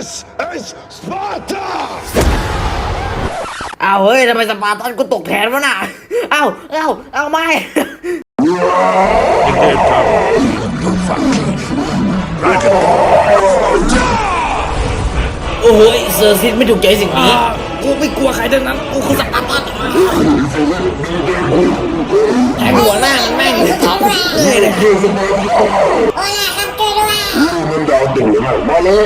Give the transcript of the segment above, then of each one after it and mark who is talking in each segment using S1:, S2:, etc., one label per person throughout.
S1: This is Sparta!
S2: อ้าวเฮ้ยทำไมสปาร์ตันกูตกแทนวะน่ะอ้าวไม่ โอ้ยเซอร์ซิสไม่ถูกใจสิ่งนี้กูไม่กลัวใครทั้งนั้นกูคือสปาร์ตันแทงหัวหน้ามันแม่งเอาเลย
S3: โอ้ยครับช่วยด้วย
S1: มันดาวตกเลยมาเลย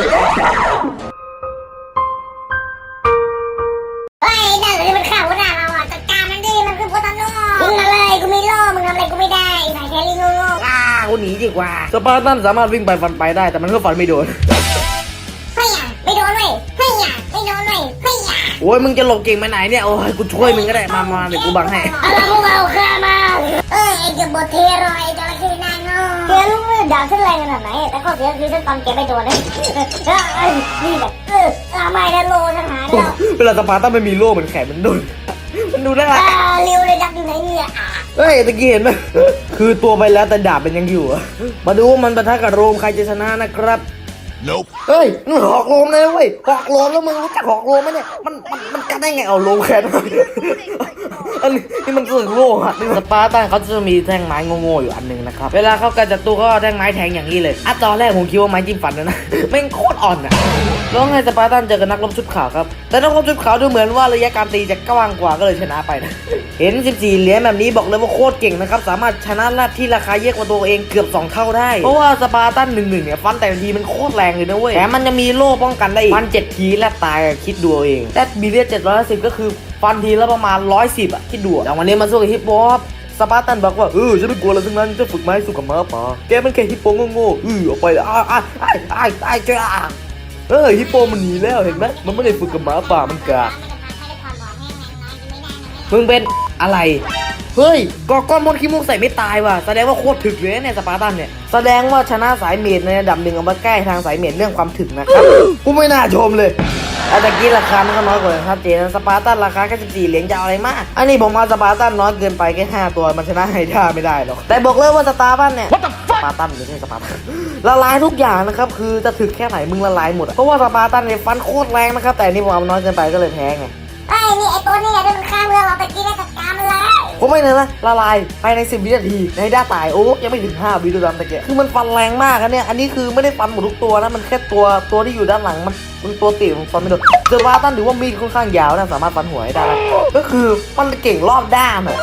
S3: เฮ้ยนั่นเลยมันข่าวหน้าเราอ่ะจัดการมันดิมันคือโพตันโน่มึงมาเลยกูมีโล่มึงทำอะไรกูไม่ได้สายแครี่โง่
S2: กูหนีดีกว่าสปาร์ตันสามารถวิ่งไปฟันไปได้แต่มันก็ฟันไม่โดน
S3: เฮ้ยไม่โดนเลยเฮ้ยไม่โดนเลยเฮ้ย
S2: โอ้ยมึงจะหลบเก่งไปไหนเนี่ยโอ้ยกูช่วยมึงก็ได้มาเดี๋ยวกูบังให้
S3: อะไรพวกเราฆ่ามาไอ้เจ้าบทเทรอยจระเข้นางโง่เสียลูกมือดาวขึ้นแรงขนาดไหนแต่ก็เสียคือฉันตอนเก็บไปโดนเลยนี่แบบไม่ได้โลฉันหาเดียว
S2: เวลาสปาร์ตันมันมีโล่เหมือนแขนมันดุนมันดูได้ละ
S3: เร็วเลยดักอยู่ไหนเนี่ย
S2: เฮ้ยตะกี้เห็นไหมคือตัวไปแล้วแต่ดาบมันยังอยู่มาดูว่ามันปะทะกับโรมใครจะชนะนะครับ
S1: Nope
S2: เฮ้ยมึงหอกโรมเลยเว้ยหอกโรมแล้วมึงรู้จักหอกโรมไหมเนี่ยมันกันได้ไงเอาโรมแขนอันนี้มันเสื่อมโล่ฮะสปาร์ตันเขาจะมีแท่งไม้โง่ๆอยู่อันนึงนะครับเวลาเขาการจัดตัวก็แท่งไม้แทงอย่างนี้เลยตอนแรกผมคิดว่าไม้จิ้มฟันนะแม่งโคตรอ่อนอ่ะแล้วไงสปาร์ตันเจอกับนักรบชุดขาวครับแต่นักรบชุดขาวดูเหมือนว่าระยะการตีจะกว้างกว่าก็เลยชนะไปนะเห็น14เหรียญแบบนี้บอกเลยว่าโคตรเก่งนะครับสามารถชนะราชที่ราคาเยอะกว่าตัวเองเกือบ2เท่าได้เพราะว่าสปาร์ตัน1-1เนี่ยฟันแต่ทีมันโคตรแรงเลยนะเว้ยแถมมันจะมีโล่ป้องกันได้อีกฟัน7ทีและตายคิดดูเองแต่บีเรีย710ก็คือฟันทีละประมาณ110อ่ะคิดดูแต่วันนี้มาสู้กับฮิปโปครับสปาร์ตันบอกว่าฉันไม่กลัวอะไรทั้งนั้นจะฝึกไม้สู้กับม้าป่าแกมันแค่ฮิปโปโง่ๆออกไปจ้าฮิปโปมันหนีแล้วเห็นไหมมันไม่ได้ฝึกกับม้าป่ามันกะมึงเป็นอะไรเฮ้ยก้อนมดขี้มูกใส่ไม่ตายว่ะแสดงว่าโคตรถึกเลยเนี่ยสปาร์ตันเนี่ยแสดงว่าชนะสายเมดในระดับหนึ่งเอามาใกล้ทางสายเมดเรื่องความถึกนะครับกูไม่น่าชมเลยตะกี้ราคามันก็น้อยกว่าครับเจนสปาร์ตันราคาแค่14เหรียญจะเอาอะไรมากอันนี้ผมมาสปาร์ตันน้อยเกินไปแค่5ตัวมันชนะไฮด้าไม่ได้หรอกแต่บอกเลยว่าสตาร์บันเนี่ยสปาร์ตันไม่ใช่สปาร์ตันละลายทุกอย่างนะครับคือจะถึกแค่ไหนมึงละลายหมดเพราะว่าสปาร์ตันเนี่ยฟันโคตรแรงนะครับแต่นี่ผมเอาน้อยเกินไปก็เลยแพ้ไง
S3: นี่ไอตัวนี้ที่มันฆ่าเพื่อนเราตะกี้ได้จัดการมันเลย
S2: ผมไม่เลยนะละลายภายใน10 วินาทีในด้าตายโอ้ยังไม่ถึง5 วิด้วยซ้ำตะเกียคือมันฟันแรงมากนะเนี่ยอันนี้คือไม่ได้ฟันหมดทุกตัวนะมันแค่ตัวที่อยู่ด้านหลังมันตัวติดมันฟันไม่โดนเซอร์วาตันถือว่ามีดค่อนข้างยาวนะสามารถฟันหัวได้ก็คือมันเก่งรอบด้านอ่ะ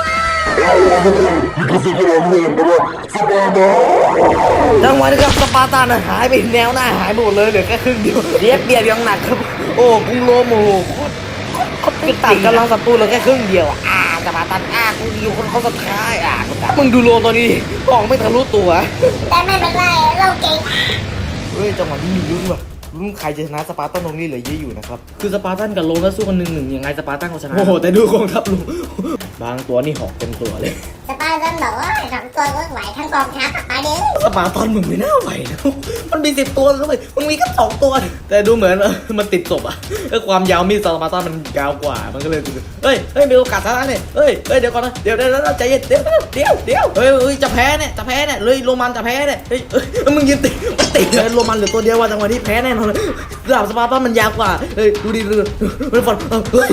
S2: จังหวะนี้ครับสปาร์ตันหายไปแนวหน้าหายหมดเลยเหลือแค่ครึ่งเดียวเรียบเบียดยังหนักครับโอ้กุงโลโมก็ตัดกำลังศัตรูเหลือแค่ครึ่งเดียวสปาร์ตันกูอยู่คนเขาสุดท้ายมึงดูโลตัวนี้มองไม่ทะลุตัว
S3: แต่ไม่เป็นไรเราเก่ง
S2: เฮ้ยจังหวะนี้มีลุ้นว่ะลุ้นใครจะชนะสปาร์ตันตรงนี้เหลือเยอะอยู่นะครับคือสปาร์ตันกับโลแล้วสู้กัน1-1ยังไงสปาร์ตันเขาชนะโอ้โหแต่ดูกองทัพลุงบางตัวนี่หอกเต็มตัวเลย
S3: สปาร์ตันบอกว่า2 ตัวก็ไหวทั้งกองทัพไปดิ
S2: สปาร์ตันมึงไม่น่าไหวนะมันมี10 ตัวแล้วมึงมีแค่2 ตัวแต่ดูเหมือนมันติดศพอ่ะความยาวมีดสปาร์ตันมันยาวกว่ามันก็เลยเฮ้ยมีโอกาสชนะเนี่ยเฮ้ยเดี๋ยวก่อนนะเดี๋ยวใจเย็นเดี๋ยวเฮ้ยจะแพ้เนี่ยเลยโรมันจะแพ้เนี่ยเฮ้ยมึงยืนติดเลยโรมันเหลือตัวเดียวว่าจังหวะนี้แพ้แน่นอนเลยดาบสปาร์ตันมันยาวกว่าเฮ้ยดูดิมันฟันเฮ้ย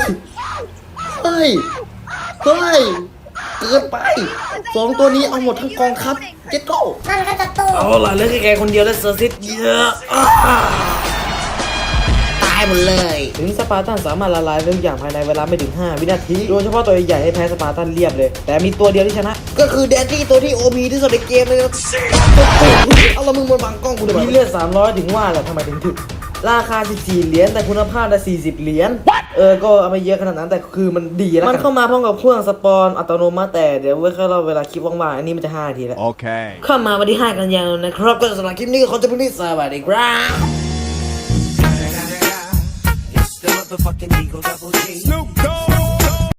S2: เกินไป2 ตัวนี้เอาหมดทั้งกองทัพเจ็ดโก้
S3: มันก็จะตู้
S2: เอาล่ะเหลือแค่แกคนเดียวแล้วเซอร์ซิสเยอะตายหมดเลยถึงสปาร์ตันสามารถละลายทุกอย่างภายในเวลาไม่ถึง5 วินาทีโดยเฉพาะตัวใหญ่ให้แพ้สปาร์ตันเรียบเลยแต่มีตัวเดียวที่ชนะก็คือแดนที่ตัวที่ OP ที่สุดในเกมเลยเอาละมึงบนบังกล้องกูด้วยมีเลือด300ถึงว่าแหละทำไมถึงถึกราคา14 เหรียญแต่คุณภาพได้40 เหรียญก็เอาไม่เยอะขนาดนั้นแต่คือมันดีนะมันเข้ามาพร้อมกับเครื่องสปอนอัตโนมัติแต่เดี๋ยวไว้ค่อยเล่าเวลาคลิปว่างๆอันนี้มันจะ5 นาทีแล้ว
S1: โอเค
S2: เข้ามาวันที่5 กันยายนนะครับก็สำหรับคลิปนี้เขาจะเป็นที่สวัสดีครับ
S1: Snoop Dogg